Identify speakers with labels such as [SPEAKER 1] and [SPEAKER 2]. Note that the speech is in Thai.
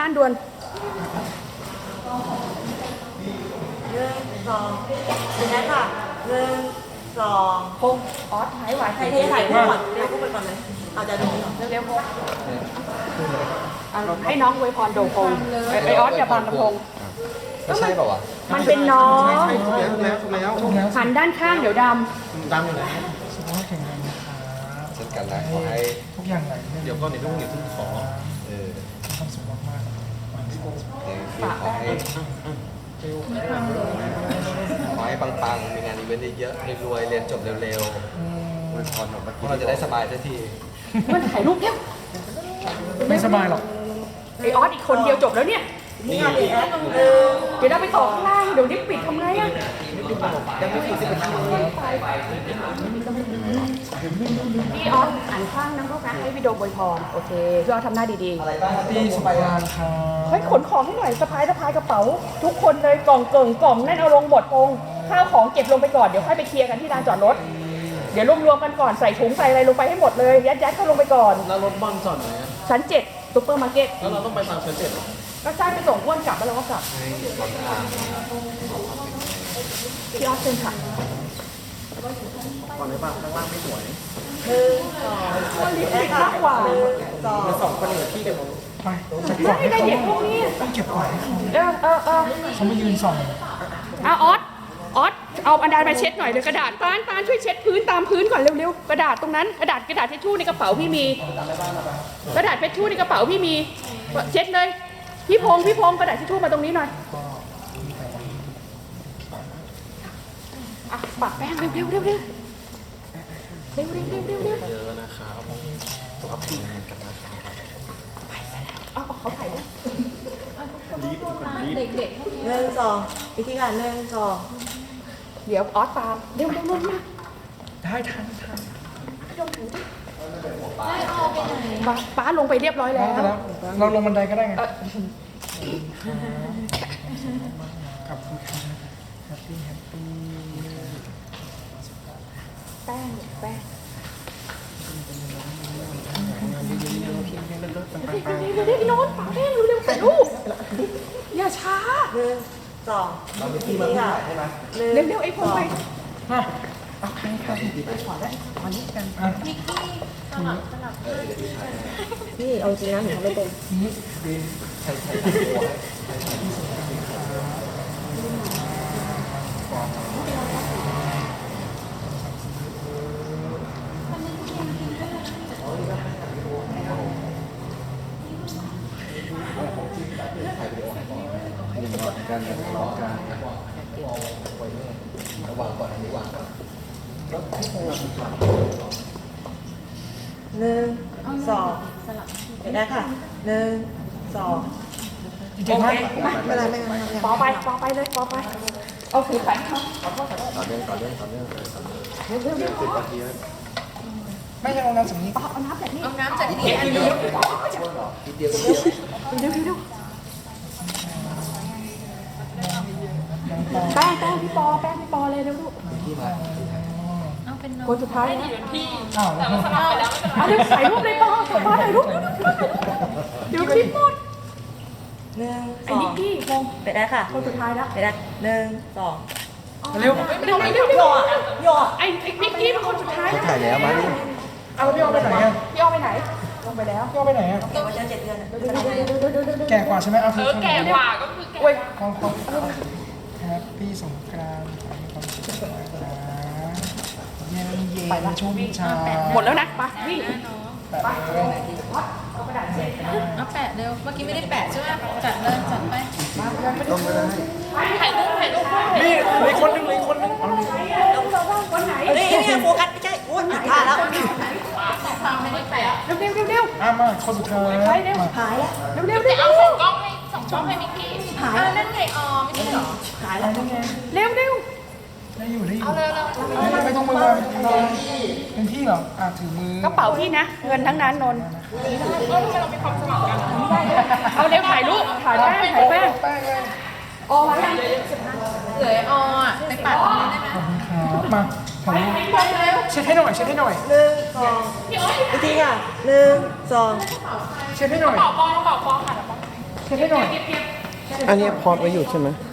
[SPEAKER 1] านด่วน
[SPEAKER 2] 1 2เป็นไงค่ะ1 2
[SPEAKER 1] พงออสหายไหว
[SPEAKER 2] ใครถ่ายคู่ก่อนถ่ายคู่ไปก่อนเลยเอาจะดูก่อน
[SPEAKER 1] เร็วๆพงให้น้องอวยพรโดพงไอออสอย่าบังกระพง
[SPEAKER 3] ไม่ใช่เปล่าวะ
[SPEAKER 1] มันเป็นน้อง
[SPEAKER 4] ถูกแล้ว
[SPEAKER 1] หันด้านข้างเดี๋ยวด
[SPEAKER 4] ดำอยู่ไหน
[SPEAKER 5] สุขภาพแข็งแรงนะครับ
[SPEAKER 3] เช่นกันนะขอให้
[SPEAKER 5] ทุกอย่างไหลลื่น
[SPEAKER 4] เดี๋ยวก็ในต้องอย่าเพิ่งขอ
[SPEAKER 3] เออ
[SPEAKER 5] มีความสุขมากๆวันนี้
[SPEAKER 3] ขอให้ปังๆมีงานอีเวนต์เยอะๆรวยๆเรียนจบเร็วๆอวยพรแบบพวกเราจะได้สบายสักที
[SPEAKER 1] ำมันถ่ายรูปเร็ว
[SPEAKER 5] ไม่สบายหรอก
[SPEAKER 1] ไอออสอีกคนเดียวจบแล้วเนี่ย
[SPEAKER 2] นี่ค่ะพี่แอด
[SPEAKER 1] เดี๋ยวเราไปต่อข้างล่างเดี๋ยวนี้ปิดทำไงอะพี่ออสอ่านข้างนะลูกนะให้วิดีโออวยพรโอเคพี่ออสทำหน้าดี
[SPEAKER 5] ที่สุขภาพครับ
[SPEAKER 1] ๆเฮ้ยขนของให้หน่อยสะพายกระเป๋า ทุกคนเลยกล่องเกิ่งกล่องนั่นเอาลงหมดพงข้าวของเก็บลงไปก่อนเดี๋ยวค่อยไปเคลียร์กันที่ลานจอดรถเดี๋ยวรวมๆกันก่อนใส่ถุงใส่อะไรลงไปให้หมดเลยยัดเข้าลงไปก่อน
[SPEAKER 4] แล้วรถบ้านจอดไหนอะ
[SPEAKER 1] ชั้น7ซุปเปอร์มาร์เก็ต
[SPEAKER 4] แล้วเราต้องไปตามชั้น7
[SPEAKER 1] ก็ใช่ไปส่งอ้วนกลับแล้วเราก็กลับ
[SPEAKER 3] ให้ปัง
[SPEAKER 1] พี่ออสเชิญค่ะ
[SPEAKER 4] ก่อนเลยป่ะข้างล่างไม่สวย
[SPEAKER 1] มันรีบปิดมากกว่า
[SPEAKER 4] แล้วสองคนเหลือที่เดียว
[SPEAKER 5] ไปไปก่อน
[SPEAKER 1] ไม่ได้เด็กพวกนี้
[SPEAKER 5] ต้องเก็บก่อนให้เขา
[SPEAKER 1] เขา
[SPEAKER 5] มายืนส่อง
[SPEAKER 1] เอาออสเอาอันดามาเช็ดหน่อยเลยกระดาษตาลช่วยเช็ดพื้นตามพื้นก่อนเร็วๆกระดาษตรงนั้นกระดาษทิชชู่ในกระเป๋าพี่มีกระดาษทิชชู่ในกระเป๋าพี่มีเช็ดเลยพี่พงกระดาษทิชชู่มาตรงนี้หน่อยอ่ะปะแป้งเร็วๆเร็ว
[SPEAKER 4] นะครับสุขภาพแข็งแรงกันนะครับ
[SPEAKER 1] เอาเขาถ่ายด้วย
[SPEAKER 2] 1 2อีกทีค่ะ1 2
[SPEAKER 1] เดี๋ยวออสตามเร็วๆมา
[SPEAKER 5] ได้ทัน
[SPEAKER 1] ป้าลงไปเรียบร้อยแล้ว
[SPEAKER 5] เราลงบันไดก็ได้ไง
[SPEAKER 1] เอ่อ
[SPEAKER 5] ขอบคุณครับแฮปปี้
[SPEAKER 1] แป้งเร็วๆโน้ตป๋าแป้งเร็วๆถ่ายรูปอย่าช้า
[SPEAKER 2] 1 2อีกทีค่ะ1
[SPEAKER 1] เร็วๆไอ้พงไป
[SPEAKER 5] มาเอาไปครับ
[SPEAKER 2] พี่เอาจริงนะหนูทำไม่เป็น
[SPEAKER 3] การทะเลาะกันระวังก่อนอันนี้วางก่อน
[SPEAKER 2] 1 2เป็นไงค่ะ1 2
[SPEAKER 5] จริงๆว่า
[SPEAKER 2] ไม่เป็นไรไม่เป็นไร
[SPEAKER 1] ปอไปเลยปอไปเอาถือไปครับ
[SPEAKER 3] ต่อเนื่องเร็ว
[SPEAKER 1] เร็ว
[SPEAKER 3] 10 นาทีแล้ว
[SPEAKER 5] ไม่ใช่โรงงานสำนี
[SPEAKER 1] ๆเอาน้ำแบบนี้
[SPEAKER 3] ทีเดียวก็เดียว
[SPEAKER 1] แป้งพี่ปอเลยเร็วลูก
[SPEAKER 3] ที่มา
[SPEAKER 1] คนสุดท้ายนะ
[SPEAKER 5] อ้าวแล้ว
[SPEAKER 1] เอาเร็วถ่ายรูปเลยปอถ่ายรูปเดี๋ยวคลิปหมด
[SPEAKER 2] 1
[SPEAKER 1] ไอ้นิกกี้พง
[SPEAKER 2] เป็นไงค่ะ
[SPEAKER 1] คนสุดท้ายแล้ว
[SPEAKER 2] เป็นไง1 2
[SPEAKER 5] เร็ว
[SPEAKER 1] เร็ว
[SPEAKER 2] หยอด
[SPEAKER 1] ไอ้นิกกี้เป็นคนสุดท้าย
[SPEAKER 3] ถ่ายแล้วมาดิ
[SPEAKER 5] เอาพี่เอาไปไหนอ่ะ
[SPEAKER 1] พี่เอาไปไหนลงไปแล้ว
[SPEAKER 5] พี่เอาไปไหนอ่ะ
[SPEAKER 2] เก็บไว้7 เดือน
[SPEAKER 5] แก่กว่าใช่ไหมเอาคือแก่กว่า
[SPEAKER 1] โอ้ย
[SPEAKER 5] ความแฮปปี้สงกรานต์ขอให้ความสุขนะเย็นชุ่มชา
[SPEAKER 1] หมดแล้วนะไปวิ่ง
[SPEAKER 5] แปะเลย
[SPEAKER 1] เอากระดาษเช็ด
[SPEAKER 6] เอาแปะเร็ว เมื่อกี้ไม่ได้แปะใช่ไหมจัดเลยจัดไป
[SPEAKER 3] ต้องไม่ได้
[SPEAKER 1] ถ่ายรูป
[SPEAKER 5] นี่มีคนนึงเอาดิ
[SPEAKER 1] วันไหน
[SPEAKER 2] นี่โฟกัสไม่ใช่อุ้ยผ่านแล้ว
[SPEAKER 6] ไม่ได้แปะ
[SPEAKER 1] เร็ว
[SPEAKER 5] มาคนสุดท้ายมา
[SPEAKER 2] หายแล้ว
[SPEAKER 1] เร็ว
[SPEAKER 6] เอาส่งกล้องให้มิกกี้นั่นไงอ๋อไม่ใช่เหรอ
[SPEAKER 2] หายแล้ว
[SPEAKER 1] เร็ว
[SPEAKER 5] ได้อยู่
[SPEAKER 6] เอาเร็ว
[SPEAKER 5] ไม่ต้องมือเป็นพี่เหรอถือมือก
[SPEAKER 1] ระเป๋าพี่นะ เงินทั้งนั้นนนท์เอาเร็วถ่ายรูปถ่ายแป้ง
[SPEAKER 5] แป้งเลย
[SPEAKER 1] ออกมายัง
[SPEAKER 6] เหลืออ๋อไปปัดตรงนี้ได้ไหม
[SPEAKER 5] ครับมาถ่ายรูปเช็ดให้หน่อย
[SPEAKER 2] 1 2อีกทีค่ะ1 2
[SPEAKER 5] เช็ดให้หน่อย
[SPEAKER 1] ปอค่ะปอ
[SPEAKER 2] เช็ดให้หน่อย
[SPEAKER 5] อันนี้พอดไว้อยู่ใช่ไหม
[SPEAKER 2] เ